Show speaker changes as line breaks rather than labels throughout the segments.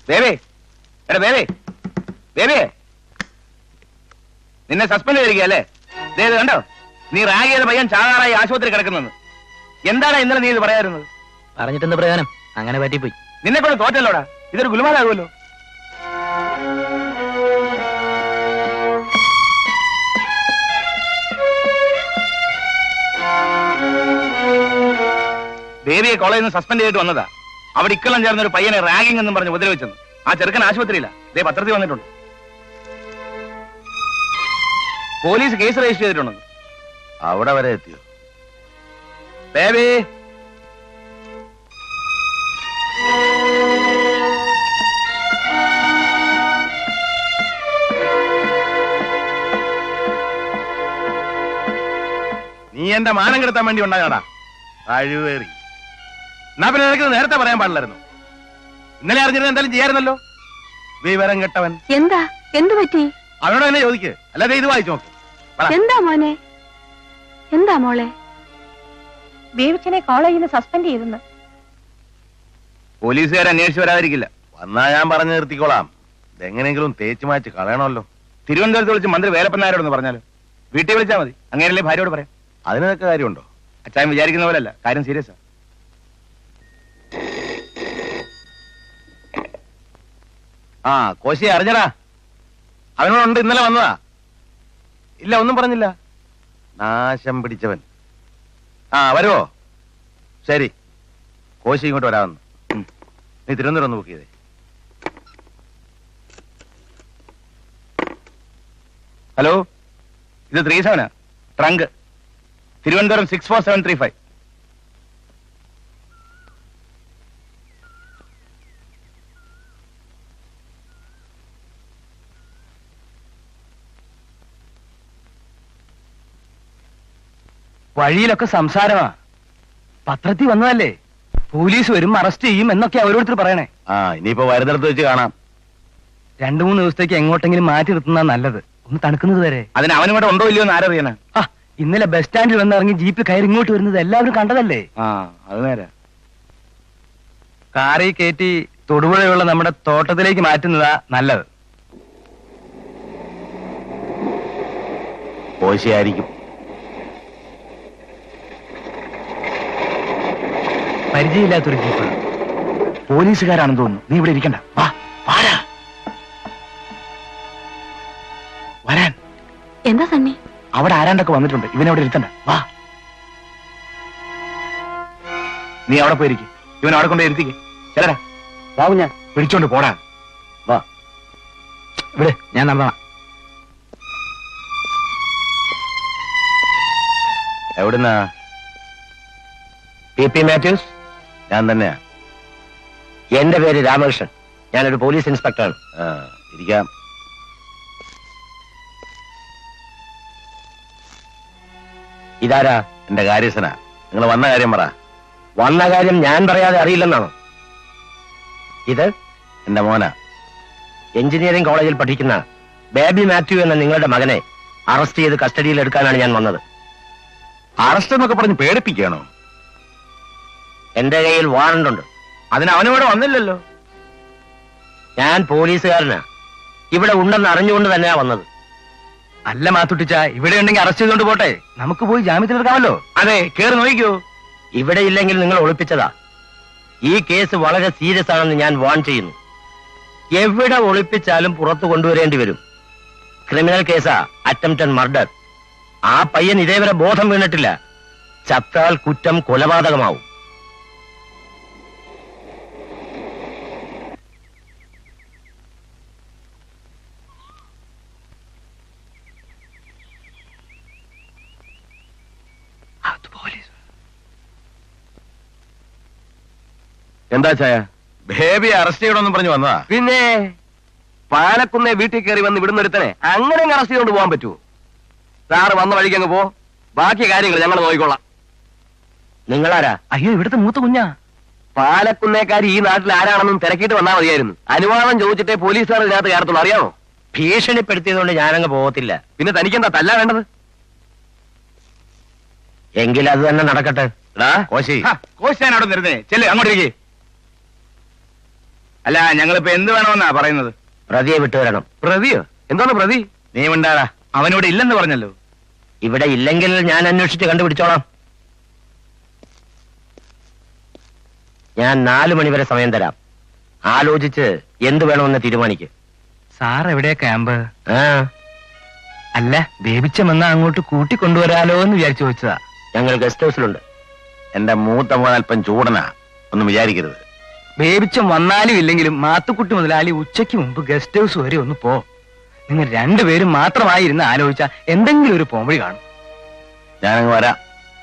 Baby, എടാ ബേബി, ബേബി, നിന്നെ suspend ചെയ്തിരിക്കുകയല്ലേ? ഇത് കണ്ടോ, നീ റാഗ് ചെയ്ത പയ്യൻ ചാകാറായി ആശുപത്രി കിടക്കുന്നത്. എന്താണ് ഇന്നലെ നീ ഇത് പറയാറുന്നത്?
പറഞ്ഞിട്ടെന്ത് പ്രയോജനം? അങ്ങനെ പറ്റിപ്പോയി.
നിന്നെ കൊണ്ട് തോറ്റല്ലോടാ, ഇതൊരു ഗുലുമാലാകുമല്ലോ. ബേബിയെ കോളേജിൽ നിന്ന് സസ്പെൻഡ് ചെയ്തിട്ട് വന്നതാ. അവിടെ ഇക്കൊല്ലം ചേർന്ന ഒരു പയ്യനെ റാഗിംഗ് എന്നും പറഞ്ഞ് ഉപദ്രവിച്ചെന്ന്. ആ ചെറുക്കൻ ആശുപത്രിയില്ല. ദേ പത്രത്തിൽ വന്നിട്ടുണ്ട്. പോലീസ് കേസ് രജിസ്റ്റർ ചെയ്തിട്ടുണ്ടെന്ന്.
അവിടെ വരെ എത്തിയോ?
ബേബി,
നീ എന്റെ മാനം കെടുത്താൻ വേണ്ടി ഉണ്ടാകാടാ കഴിവേറി. എന്നാ പിന്നെ നിനക്ക് നേരത്തെ പറയാൻ പാടില്ലായിരുന്നു. ഇന്നലെ അറിഞ്ഞിരുന്ന എന്തായാലും ചെയ്യാറുന്നല്ലോ. വിവരം കെട്ടവൻ.
എന്താ എന്തു പറ്റി?
അവനോട് തന്നെ ചോദിക്ക്, അല്ലാതെ ഇത് വായിച്ചു നോക്ക്.
എന്താ മോനെ? എന്താ മോളെ? ബേബിച്ചനെ കോളേജിൽ നിന്ന് സസ്പെൻഡ് ചെയ്തെന്ന്.
പോലീസുകാർ അന്വേഷിച്ച് വരാതിരിക്കില്ല.
വന്നാ ഞാൻ പറഞ്ഞു നിർത്തിക്കോളാം. ഇതെങ്ങനെയെങ്കിലും തേച്ചു മാച്ച് കളയണമല്ലോ.
തിരുവനന്തപുരത്ത് വിളിച്ച് മന്ത്രി വേലപ്പൻ നായരോടൊന്ന് പറഞ്ഞാലോ? വീട്ടിൽ വിളിച്ചാൽ മതി. അങ്ങനെയല്ലേ ഭാര്യയോട് പറയാം.
അതിനൊക്കെ കാര്യമുണ്ടോ?
അച്ചായൻ വിചാരിക്കുന്ന പോലല്ല, കാര്യം സീരിയസാ.
ആ കോശി അറിഞ്ഞടാ, അവനോടുണ്ട്. ഇന്നലെ വന്നതാ. ഇല്ല, ഒന്നും പറഞ്ഞില്ല. നാശം പിടിച്ചവൻ. ആ വരുവോ? ശരി, കോശി ഇങ്ങോട്ട് വരാമെന്ന്. നീ തിരുവനന്തപുരം ഒന്ന് ബുക്ക് ചെയ്തേ.
ഹലോ, ഇത് 37 ട്രങ്ക്, തിരുവനന്തപുരം 64735.
വഴിയിലൊക്കെ സംസാരമാ. പത്രത്തിൽ വന്നതല്ലേ, പോലീസ് വരും, അറസ്റ്റ് ചെയ്യും എന്നൊക്കെ ഓരോരുത്തർ പറയണേ.
ആ ഇനിയിപ്പോ വരുന്നിടത്ത് വെച്ച് കാണാം.
2-3 ദിവസത്തേക്ക് എങ്ങോട്ടെങ്കിലും മാറ്റി നിർത്തുന്ന നല്ലത്. ഒന്ന് തണുക്കുന്നത് വരെ.
അതിന് അവനും ഇവിടെ ഉണ്ടോ ഇല്ലയോ എന്ന് ആരറിയാനാ?
ഇന്നലെ ബസ് സ്റ്റാൻഡിൽ വന്നിറങ്ങി ജീപ്പിൽ കയറി ഇങ്ങോട്ട് വരുന്നത് എല്ലാവരും കണ്ടതല്ലേ.
ആ അത് നേരെ.
കാറിൽ കയറ്റി തൊടുപുഴയുള്ള നമ്മുടെ തോട്ടത്തിലേക്ക് മാറ്റുന്നതാ നല്ലത്.
കോശിയായിരിക്കും.
പരിചയമില്ലാത്തൊരു ജീപ്പ്.
പോലീസുകാരാണെന്ന് തോന്നുന്നു. നീ ഇവിടെ ഇരിക്കണ്ട, വാ വാടാ. വരാൻ.
എന്താ സണ്ണി?
അവിടെ ആരാണ്ടൊക്കെ വന്നിട്ടുണ്ട്. ഇവനവിടെ ഇരുത്തണ്ട, വാ. നീ അവിടെ പോയിരിക്കും. ഇവൻ അവിടെ കൊണ്ട് ഇരുത്തിക്ക്. ചെല്ലടാ.
വാവും, ഞാൻ
പിടിച്ചോണ്ട് പോടാ.
വാ. ഇവിടെ ഞാൻ നടന്നോളാം.
എവിടുന്നാ?
PP മാത്യൂസ്.
ഞാൻ തന്നെയാ.
എന്റെ പേര് രാമകൃഷ്ണൻ. ഞാനൊരു പോലീസ് ഇൻസ്പെക്ടറാണ്.
ഇരിക്കാം.
ഇതാരാ?
എന്റെ കാര്യസ്ഥനാ. നിങ്ങൾ വന്ന കാര്യം പറ.
വന്ന കാര്യം ഞാൻ പറയാതെ അറിയില്ലെന്നാണോ? ഇത്
എന്റെ മോനാ.
എഞ്ചിനീയറിംഗ് കോളേജിൽ പഠിക്കുന്ന ബേബി മാത്യു എന്ന നിങ്ങളുടെ മകനെ അറസ്റ്റ് ചെയ്ത് കസ്റ്റഡിയിൽ എടുക്കാനാണ് ഞാൻ വന്നത്.
അറസ്റ്റ് എന്നൊക്കെ പറഞ്ഞ് പേടിപ്പിക്കുകയാണോ?
എന്റെ കയ്യിൽ വാറണ്ട് ഉണ്ട്.
അതിന് അവനിവിടെ വന്നില്ലല്ലോ.
ഞാൻ പോലീസുകാരനാ. ഇവിടെ ഉണ്ടെന്ന് അറിഞ്ഞുകൊണ്ട് തന്നെയാ വന്നത്. അല്ല മാത്തുട്ടിച്ച, ഇവിടെ ഉണ്ടെങ്കിൽ അറസ്റ്റ് ചെയ്തുകൊണ്ട് പോട്ടെ, നമുക്ക് പോയി ജാമ്യത്തിലെടുക്കാമല്ലോ.
അതെ, കേറി നോക്കിക്കോ.
ഇവിടെ ഇല്ലെങ്കിൽ നിങ്ങൾ ഒളിപ്പിച്ചതാ. ഈ കേസ് വളരെ സീരിയസ് ആണെന്ന് ഞാൻ വാൺ ചെയ്യുന്നു. എവിടെ ഒളിപ്പിച്ചാലും പുറത്തു കൊണ്ടുവരേണ്ടി വരും. ക്രിമിനൽ കേസാ, അറ്റംപ്റ്റഡ് മർഡർ. ആ പയ്യൻ ഇതേവരെ ബോധം വീണിട്ടില്ല. ചത്താൽ കുറ്റം കൊലപാതകമാവും.
എന്താ ചായ? ബേബിയെ അറസ്റ്റ് ചെയ്യണമെന്ന് പറഞ്ഞു വന്നതാ.
പിന്നെ പാലക്കുന്നേ വീട്ടിൽ കയറി വന്ന് വിടുന്നൊരുത്തനെ അങ്ങനെ അറസ്റ്റ് ചെയ്തുകൊണ്ട് പോകാൻ പറ്റുമോ? സാറ് വന്ന വഴിക്ക് അങ്ങ് പോ. ബാക്കി കാര്യങ്ങൾ ഞങ്ങൾ നോക്കിക്കൊള്ളാം. നിങ്ങളാരാ? അയ്യോ, ഇവിടുത്തെ മൂത്ത കുഞ്ഞാ. പാലക്കുന്നേക്കാരി ഈ നാട്ടിൽ ആരാണെന്നും തിരക്കിയിട്ട് വന്നാൽ മതിയായിരുന്നു. അനുവാദം ചോദിച്ചിട്ടേ പോലീസുകാർ ഇതിനകത്ത് കയറത്തുള്ളൂ. അറിയാമോ? ഭീഷണിപ്പെടുത്തിയതുകൊണ്ട് ഞാനങ്ങ് പോകത്തില്ല. പിന്നെ തനിക്കെന്താ തല്ല വേണ്ടത്? എങ്കിൽ അത് തന്നെ നടക്കട്ടെ.
കോശി,
കോശി ഞാൻ അവിടെ നിരുന്നേ. ചെല്ലേ, അങ്ങോട്ടേക്ക്. അല്ല ഞങ്ങളിപ്പോ എന്ത് വേണമെന്നാ പറയുന്നത്?
പ്രതിയെ വിട്ടുവരണം. പ്രതിയോ? എന്താണ് പ്രതി?
നീ ഉണ്ടാടാ, അവനിവിടെ ഇല്ലെന്ന് പറഞ്ഞല്ലോ.
ഇവിടെ ഇല്ലെങ്കിൽ ഞാൻ അന്വേഷിച്ച് കണ്ടുപിടിച്ചോളാം. ഞാൻ 4 മണി വരെ സമയം തരാം. ആലോചിച്ച് എന്ത് വേണമെന്ന് തീരുമാനിക്ക്.
സാർ എവിടെയാ ക്യാമ്പ്?
ആ,
അല്ല ബേബിച്ചമെന്നാ അങ്ങോട്ട് കൂട്ടിക്കൊണ്ടുവരാലോ എന്ന് വിചാരിച്ചു വെച്ചതാ.
ഞങ്ങൾ ഗസ്റ്റ് ഹൗസിലുണ്ട്.
എന്റെ മൂത്ത മോൻ അല്പം ചൂടനാ, ഒന്നും വിചാരിക്കരുത്.
ബേബിച്ചം വന്നാലും ഇല്ലെങ്കിലും മാത്തുക്കുട്ടി മുതലാളി ഉച്ചയ്ക്ക് മുമ്പ് ഗസ്റ്റ് ഹൗസ് വരെ ഒന്ന് പോ. നിങ്ങൾ രണ്ടുപേരും മാത്രമായിരുന്ന് ആലോചിച്ച എന്തെങ്കിലും ഒരു പോംവഴി കാണും.
ഞാനങ്ങ് വരാം.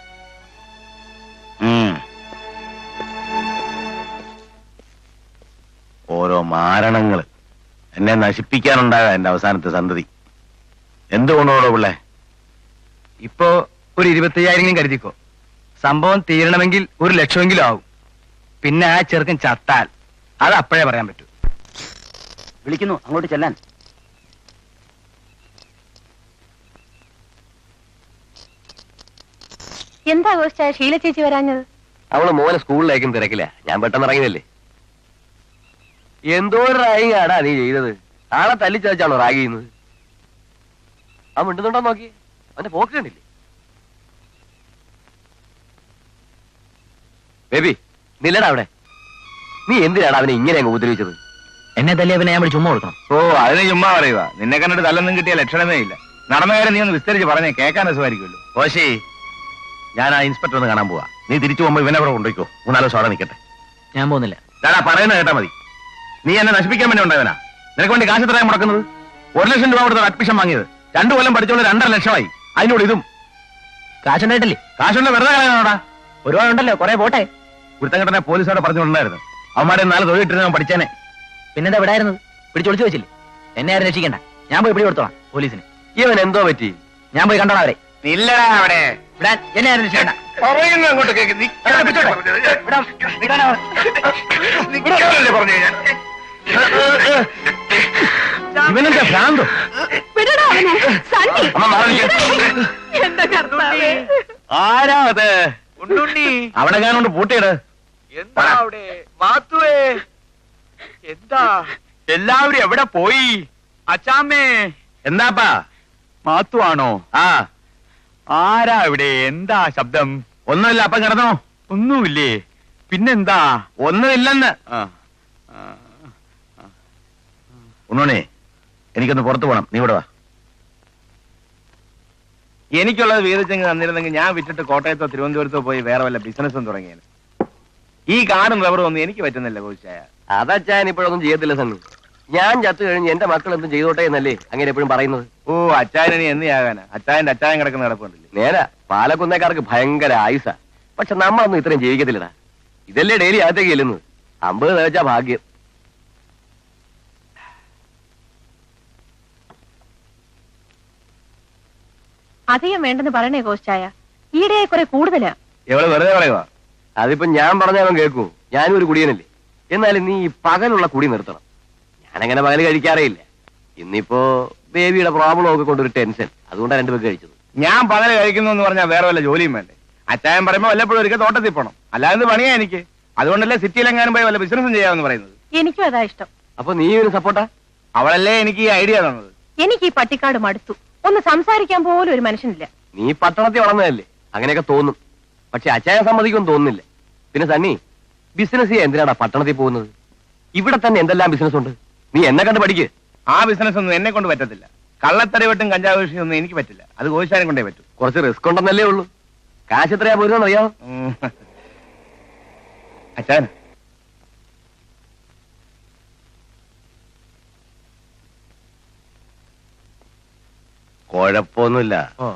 ഓരോ മാരണങ്ങള് എന്നെ നശിപ്പിക്കാനുണ്ടാകാം എന്റെ അവസാനത്തെ സന്തതി. എന്തുകൊണ്ടോടോ പിള്ളേ?
ഇപ്പോ ഒരു 25,000 കരുതിക്കോ. സംഭവം തീരണമെങ്കിൽ 1,00,000 ആവും. പിന്നെ ആ ചെറുക്കൻ ചത്താൽ അത് അപ്പോഴേ പറയാൻ പറ്റൂ.
വിളിക്കുന്നു അങ്ങോട്ട് ചെല്ലാൻ.
എന്താ ഗോസ്റ്റായ ഷീല ചേച്ചി വരാഞ്ഞത്?
അവള് മോനെ സ്കൂളിലേക്കും തിരക്കില്ല. ഞാൻ പെട്ടെന്ന് ഇറങ്ങിയതല്ലേ. എന്തോ ഒരു റാഗിങ്ങാടാ നീ ചെയ്തത്. ആളെ തല്ലിച്ചതച്ചാണോ റാഗ് ചെയ്യുന്നത്? ആ മിണ്ടുന്നുണ്ടോ നോക്കി. അവന്റെ പോക്ക് കണ്ടില്ലേ? ബേബി നില്ലടാ അവിടെ. നീ എന്തിനാണ് അവനെ ഇങ്ങനെ അങ്ങ് ഉപദ്രവിച്ചത്? എന്നെ തല്ലിയ പിന്നെ ഞാൻ ചുമ്മാ കൊടുക്കണം.
ഓ അതിന് ചുമ്മാ പറയുക. നിന്നെ കണ്ടിട്ട് തല്ലൊന്നും കിട്ടിയ ലക്ഷണമേ ഇല്ല. നടന്ന കാര്യം നീ ഒന്ന് വിസ്തരിച്ച് പറഞ്ഞേ, കേൾക്കാൻ രസമായിരിക്കുമല്ലോ.
കോശി, ഞാൻ ആ ഇൻസ്പെക്ടർ ഒന്ന് കാണാൻ പോവാ. നീ തിരിച്ചു പോകുമ്പോ ഇവനെ അവിടെ കൊണ്ടുപോയിക്കോ. 3-4 ദിവസം അവിടെ നിൽക്കട്ടെ.
ഞാൻ പോകുന്നില്ല.
ഞാനാ പറയുന്നത് കേട്ടാ മതി. നീ എന്നെ നശിപ്പിക്കാൻ വേണ്ടി ഉണ്ടായവനാ. നിനക്ക് വേണ്ടി കാശ് എത്രയാണ് മുടക്കുന്നത്? 1,00,000 രൂപ കൊടുത്ത അഡ്മിഷൻ വാങ്ങിയത് 2 കൊല്ലം പഠിച്ചോണ്ട് 2.5 ലക്ഷമായി. അതിനോട് ഇതും
കാശുണ്ടായിട്ടില്ലേ?
കാശുണ്ട്, വെറുതെ കളയാനോടാ.
ഒരുപാടുണ്ടല്ലോ, കുറെ പോട്ടെ.
കുരുത്തങ്കട്ടനെ പോലീസോടെ പറഞ്ഞിട്ടുണ്ടായിരുന്നു. അവന്മാരെ 4 തൊഴിലിട്ടിരുന്ന ഞാൻ പഠിച്ചേനെ.
പിന്നെന്താ വിടായിരുന്നത്? പിടിച്ചൊളിച്ചു വെച്ചില്ലേ? എന്നെ ആരും രക്ഷിക്കണ്ട. ഞാൻ പോയി പിടി കൊടുത്തോളാം പോലീസിന്. ഇവൻ എന്തോ പറ്റി? ഞാൻ പോയി കണ്ടോളാം അവരെ.
ഇല്ലടാ അവിടെ
വിടാൻ എന്നെ ആരും രക്ഷിക്കണ്ട.
അങ്ങോട്ട് കേക്ക്.
ഇവനെന്താ ഭ്രാന്തോ?
വിടടാ അവനെ, സണ്ണി.
അമ്മ മാറി നിൽക്ക്.
എന്താ കർത്താവേ.
ആരാ അത്? അവിടെ ഞാനോണ്ട് പൂട്ടിയിട്.
എന്താ അവിടെ മാത്തുവേ? എന്താ എല്ലാവരും എവിടെ പോയി? അച്ചാമ്മേ,
എന്താപ്പാ?
മാത്തു ആണോ?
ആ,
ആരാ ഇവിടെ? എന്താ ശബ്ദം?
ഒന്നുമില്ല. അപ്പം കിടന്നോ?
ഒന്നുമില്ലേ? പിന്നെന്താ?
ഒന്നുമില്ലെന്ന്.
ആ,
ഉണ്ണോണേ, എനിക്കൊന്ന് പുറത്തു പോകണം. നീ ഇവിടെ വാ.
എനിക്കുള്ളത് വീതിച്ചെങ്ങ് തന്നിരുന്നെങ്കിൽ ഞാൻ വിറ്റിട്ട് കോട്ടയത്തോ തിരുവനന്തപുരത്തോ പോയി വേറെ വല്ല ബിസിനസ്സും തുടങ്ങിയത്. ഈ കാടും റബ്ബറും ഒന്നും എനിക്ക് പറ്റുന്നില്ല കോച്ചായ.
അതച്ചാൻ ഇപ്പോഴൊന്നും ചെയ്യത്തില്ല സണ്ണി. ഞാൻ ചത്തു കഴിഞ്ഞ് എന്റെ മക്കൾ എന്തും ചെയ്തോട്ടെ എന്നല്ലേ അങ്ങനെ എപ്പോഴും പറയുന്നത്.
ഓ അച്ചായനി എന്തിയാകാനാ? അച്ചായന്റെ അച്ചായൻ കിടക്കുന്ന കിടപ്പുണ്ടല്ലേ.
നേരാ, പാലക്കുന്നേക്കാർക്ക് ഭയങ്കര ആയുസാ. പക്ഷെ നമ്മളൊന്നും ഇത്രയും ജീവിക്കത്തില്ലടാ. ഇതല്ലേ ഡെയിലി അകത്തേക്ക് ചെല്ലുന്നത്. 50 തേച്ചാ ഭാഗ്യം.
അധികം വേണ്ടെന്ന് പറയണേ കോസ്റ്റായ. ഈയിടെ കുറെ കൂടുതലാ.
എവള് വെറുതെ പറയുക.
അതിപ്പോ ഞാൻ പറഞ്ഞാലും കേൾക്കൂ. ഞാനും ഒരു കുടിയനല്ലേ. എന്നാലും നീ ഈ പകലുള്ള കുടി നിർത്തണം. ഞാനങ്ങനെ പകല് കഴിക്കാറേ ഇല്ല. ഇന്നിപ്പോ ബേബിയുടെ പ്രോബ്ലം ഒക്കെ കൊണ്ടൊരു ടെൻഷൻ, അതുകൊണ്ടാണ് 2 പേർക്ക് കഴിച്ചത്.
ഞാൻ പകല് കഴിക്കുന്നു എന്ന് പറഞ്ഞാൽ വേറെ വല്ല ജോലിയും വേണ്ടേ? അച്ചായൻ പറയുമ്പോ വല്ലപ്പോഴും ഒരിക്കൽ തോട്ടത്തിൽ പോണം. അല്ലാതെ പണിയാ എനിക്ക്. അതുകൊണ്ടല്ലേ സിറ്റിയിലെങ്ങാനും പോയി വല്ല ബിസിനസ്സും ചെയ്യാമെന്ന് പറയുന്നത്.
എനിക്കും അതാ ഇഷ്ടം.
അപ്പൊ നീ ഒരു സപ്പോർട്ടാ?
അവളല്ലേ എനിക്ക് ഈ ഐഡിയ തന്നത്.
എനിക്ക് ഈ പട്ടിക്കാട് മടുത്തു. ഒന്ന് സംസാരിക്കാൻ പോലും ഒരു മനുഷ്യനില്ല.
നീ പട്ടണത്തിൽ വളർന്നതല്ലേ, അങ്ങനെയൊക്കെ തോന്നും. പക്ഷെ അച്ചായ സമ്മതിക്കൊന്നും തോന്നുന്നില്ല. പിന്നെ സണ്ണി, ബിസിനസ് ചെയ്യാൻ എന്തിനാടാ പട്ടണത്തിൽ പോകുന്നത്? ഇവിടെ തന്നെ എന്തെല്ലാം ബിസിനസ് ഉണ്ട്. നീ എന്നെ കണ്ട് പഠിക്ക്.
ആ ബിസിനസ് ഒന്നും എന്നെ കൊണ്ട് പറ്റത്തില്ല. കള്ളത്തടിവെട്ടും കഞ്ചാവ് കൃഷിയും ഒന്നും എനിക്ക് പറ്റില്ല. അത് കോശാനെ കൊണ്ടേ പറ്റൂ.
കുറച്ച് റിസ്ക് ഉണ്ടെന്നല്ലേ ഉള്ളൂ. കാശ് എത്രയാ പോരുന്നെന്ന് അറിയാമോ?
അച്ചായൻ
കുഴപ്പമൊന്നുമില്ല.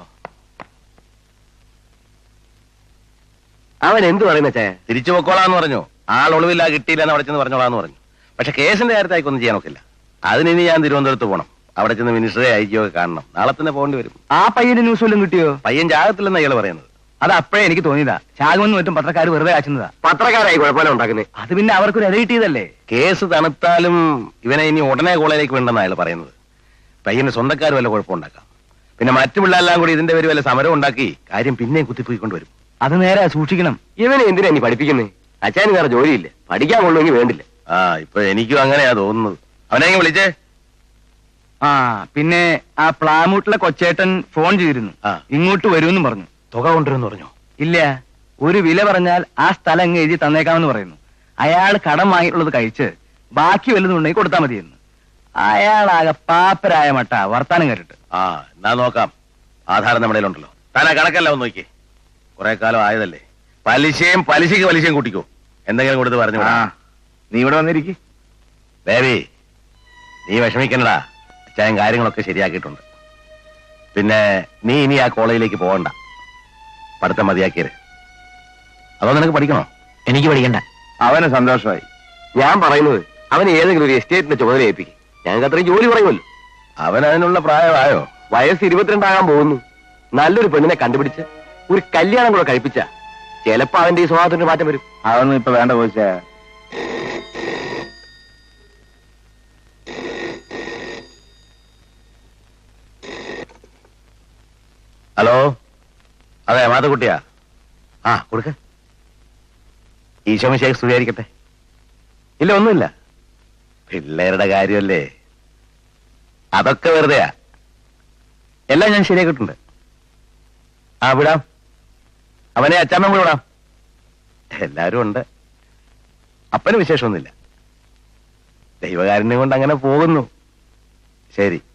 അവൻ എന്ത് പറയുന്ന ചേ?
തിരിച്ചു പൊക്കോളാന്ന് പറഞ്ഞു. ആൾ ഒളിവില്ല, കിട്ടിയില്ലെന്ന് അവിടെ ചെന്ന് പറഞ്ഞോളാന്ന് പറഞ്ഞു. പക്ഷെ കേസിന്റെ കാര്യത്തിൽ ഒന്നും ചെയ്യാൻ നോക്കില്ല. അതിനി ഞാൻ തിരുവനന്തപുരത്ത് പോകണം. അവിടെ ചെന്ന് മിനിസ്റ്ററെ ഐജിയോ കാണണം. നാളെ തന്നെ പോകേണ്ടി വരും.
ആ പയ്യന്റെ ന്യൂസ് വല്ലതും കിട്ടിയോ?
പയ്യൻ ജാഗത്തില്ലെന്ന് അയാൾ പറയുന്നത്.
അത് അപ്പോഴേ എനിക്ക് തോന്നിയതാ. ചാകുമെന്ന് മറ്റും പത്രക്കാർ വെറുതെ കാച്ചുന്നതാ.
പത്രക്കാരായി കുഴപ്പമില്ല ഉണ്ടാക്കുന്നത്.
അത് പിന്നെ അവർക്കൊരു ഇര കിട്ടിയതല്ലേ.
കേസ് തണുത്താലും ഇവനെ ഇനി ഉടനെ കോളേജിലേക്ക് വേണ്ടെന്ന് അയാൾ പറയുന്നത്. പയ്യന് സ്വന്തക്കാർ വല്ല കുഴപ്പമുണ്ടാക്കാം. പിന്നെ മറ്റു പിള്ളേരെല്ലാം കൂടി ഇതിന്റെ പേര് വല്ല സമരം ഉണ്ടാക്കി കാര്യം പിന്നെയും കുത്തിപ്പോയിക്കൊണ്ടുവരും.
അത് നേരെ സൂക്ഷിക്കണം.
ഇവനെ എന്തിനാ നീ പഠിപ്പിക്കുന്നേ? അച്ഛന് വേറെ ജോലിയില്ല. പഠിക്കാൻ കൊള്ളുമെങ്കിൽ വേണ്ടില്ല.
ആ ഇപ്പൊ എനിക്കും അങ്ങനെയാ തോന്നുന്നത്. അവനെ വിളിച്ചേ.
ആ പിന്നെ ആ പ്ലാമൂട്ടിലെ കൊച്ചേട്ടൻ ഫോൺ ചെയ്തിരുന്നു.
ആ.
ഇങ്ങോട്ട് വരുമെന്നും പറഞ്ഞു.
തുക കൊണ്ടുവരുമെന്ന് പറഞ്ഞു.
ഇല്ല, ഒരു വില പറഞ്ഞാൽ ആ സ്ഥലം അങ്ങ് എഴുതി തന്നേക്കാമെന്ന് പറയുന്നു. അയാൾ കടം വാങ്ങിയിട്ടുള്ളത് കഴിച്ച് ബാക്കി വല്ലതുണ്ടെങ്കിൽ കൊടുത്താൽ മതിയെന്ന്. അയാളാകെ പാപ്പരായ മട്ട വർത്താനം കേട്ടിട്ട്.
ആ എന്നാ നോക്കാം. ആധാരം നമ്മുടെ ഉണ്ടല്ലോ. താൻ ആ കണക്കല്ല ഒന്ന് നോക്കിയേ. കുറെ കാലം ആയതല്ലേ. പലിശയും പലിശയും കൂട്ടിക്കോ. എന്തെങ്കിലും കൊടുത്ത് പറഞ്ഞു.
നീ ഇവിടെ വന്നിരിക്കും.
ബേബി, നീ വിഷമിക്കണ്ടടാ. അച്ചായൻ കാര്യങ്ങളൊക്കെ ശരിയാക്കിയിട്ടുണ്ട്. പിന്നെ നീ ഇനി ആ കോളേജിലേക്ക് പോകണ്ട. പഠിത്തം മതിയാക്കിയത്. അതോ നിനക്ക് പഠിക്കണോ?
എനിക്ക് പഠിക്കണ്ട.
അവന് സന്തോഷമായി.
ഞാൻ പറയുന്നത് അവന് ഏതെങ്കിലും ഒരു എസ്റ്റേറ്റിന്റെ ചുമതല ഏൽപ്പിക്കും. ഞങ്ങൾക്ക് അത്രയും ജോലി പറയുമല്ലോ.
അവൻ അതിനുള്ള പ്രായമായോ?
വയസ്സ് 22 ആകാൻ പോകുന്നു. നല്ലൊരു പെണ്ണിനെ കണ്ടുപിടിച്ച് ഒരു കല്യാണം കൂടെ കഴിപ്പിച്ച ചിലപ്പോ അവന്റെ ഈ സ്വഭാവത്തിന് മാറ്റം വരും.
അതൊന്നും ഇപ്പൊ വേണ്ട കോച്ചാ. ഹലോ, അതെ മാത്തുക്കുട്ടിയാ. ആ കൊടുക്ക. ഈശോമിശേഖ് സ്തുതിയായിരിക്കട്ടെ. ഇല്ല ഒന്നുമില്ല, പിള്ളേരുടെ കാര്യമല്ലേ, അതൊക്കെ വെറുതെയാ. എല്ലാം ഞാൻ ശരിയാക്കിയിട്ടുണ്ട്. ആ വിടാം, അവനെ അച്ചാമ്മ കൂടെ വിടാം. എല്ലാരും ഉണ്ട്. അപ്പന് വിശേഷമൊന്നുമില്ല. ദൈവകാരുണ്യം കൊണ്ട് അങ്ങനെ പോകുന്നു. ശരി.